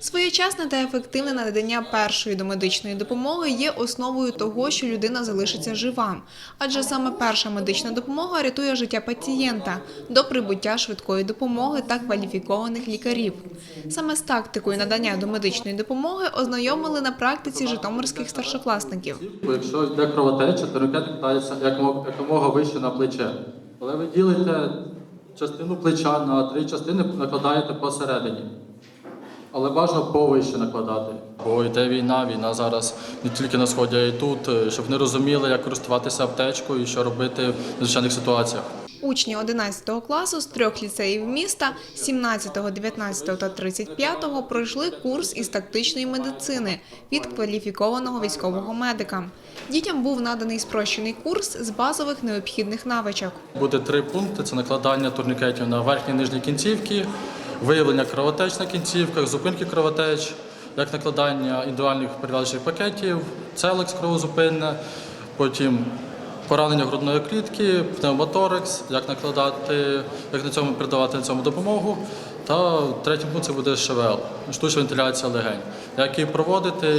Своєчасне та ефективне надання першої домедичної допомоги є основою того, що людина залишиться жива. Адже саме перша медична допомога рятує життя пацієнта до прибуття швидкої допомоги та кваліфікованих лікарів. Саме з тактикою надання домедичної допомоги ознайомили на практиці житомирських старшокласників. Якщо йде кровотеча, турнікет кладається якомога вище на плече. Коли ви ділите частину плеча на 3 частини, накладаєте посередині. Але бажано повище накладати. Бо йде війна зараз не тільки на Сході, а й тут, щоб вони розуміли, як користуватися аптечкою і що робити в звичайних ситуаціях. Учні 11 класу з 3 ліцеїв міста 17, 19 та 35 пройшли курс із тактичної медицини від кваліфікованого військового медика. Дітям був наданий спрощений курс з базових необхідних навичок. Буде 3 пункти – це накладання турнікетів на верхні і нижні кінцівки, виявлення кровотеч на кінцівках, зупинки кровотеч, як накладання індивідуальних перев'язучих пакетів, целекс кровозупинне, потім поранення грудної клітки, пневмоторакс, як накладати, як на цьому передавати на цьому допомогу. Та третій пункт – це буде ШВЛ, штучна вентиляція легень. Як її проводити,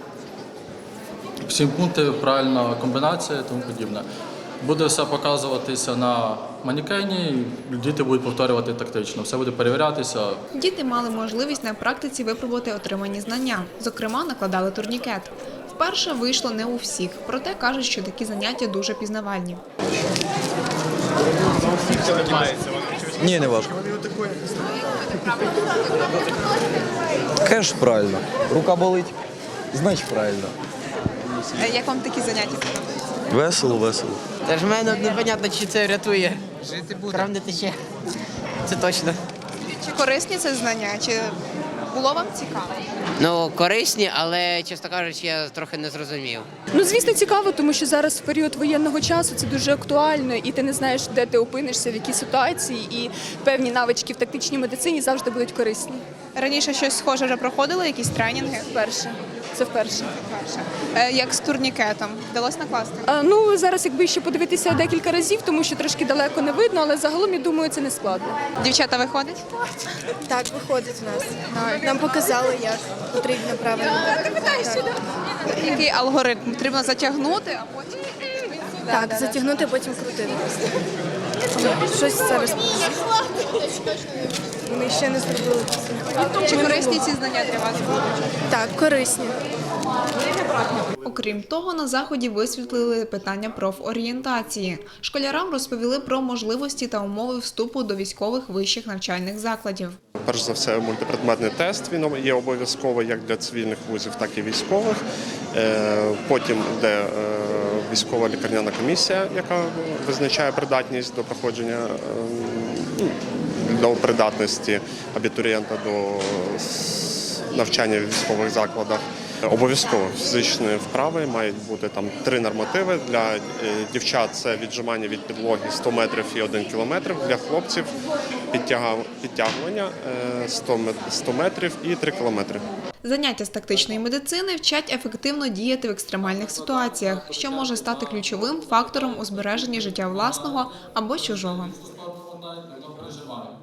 7 пунктів, правильна комбінація і тому подібне. Буде все показуватися на манекені, діти будуть повторювати тактично, все буде перевірятися. Діти мали можливість на практиці випробувати отримані знання. Зокрема, накладали турнікет. Вперше вийшло не у всіх, проте кажуть, що такі заняття дуже пізнавальні. Ні, не важко. Кеш правильно. Рука болить, значить правильно. Як вам такі заняття подобаються? Весело, весело. Та ж в мене непонятно, чи це рятує. Жити буде. Крам не тече. Це точно. Чи корисні це знання? Чи було вам цікаво? Ну, корисні, але, чесно кажучи, я трохи не зрозумів. Ну, звісно, цікаво, тому що зараз в період воєнного часу це дуже актуально, і ти не знаєш, де ти опинишся, в якій ситуації, і певні навички в тактичній медицині завжди будуть корисні. Раніше щось схоже вже проходили, якісь тренінги? Вперше. Це вперше. Як з турнікетом? Вдалося накласти? Ну, зараз якби ще подивитися декілька разів, тому що трошки далеко не видно, але загалом, я думаю, це не складно. Дівчата виходять? Так, виходить у нас. Нам показали, як потрібно правильно. Який алгоритм? Потрібно затягнути, а потім... Так, затягнути, потім крутити. Щось зараз. Ми ще не зробили. Чи корисні ці знання для вас? Так, корисні. Окрім того, на заході висвітлили питання профорієнтації. Школярам розповіли про можливості та умови вступу до військових вищих навчальних закладів. Перш за все, мультипредметний тест, він є обов'язковий як для цивільних вузів, так і військових. Потім йде військова лікарняна комісія, яка визначає придатність до проходження, до придатності абітурієнта до навчання в військових закладах. Обов'язково фізичні вправи, мають бути там 3 нормативи. Для дівчат це віджимання від підлоги 100 метрів і 1 кілометр. Для хлопців підтягування 100 метрів і 3 кілометри. Заняття з тактичної медицини вчать ефективно діяти в екстремальних ситуаціях, що може стати ключовим фактором у збереженні життя власного або чужого.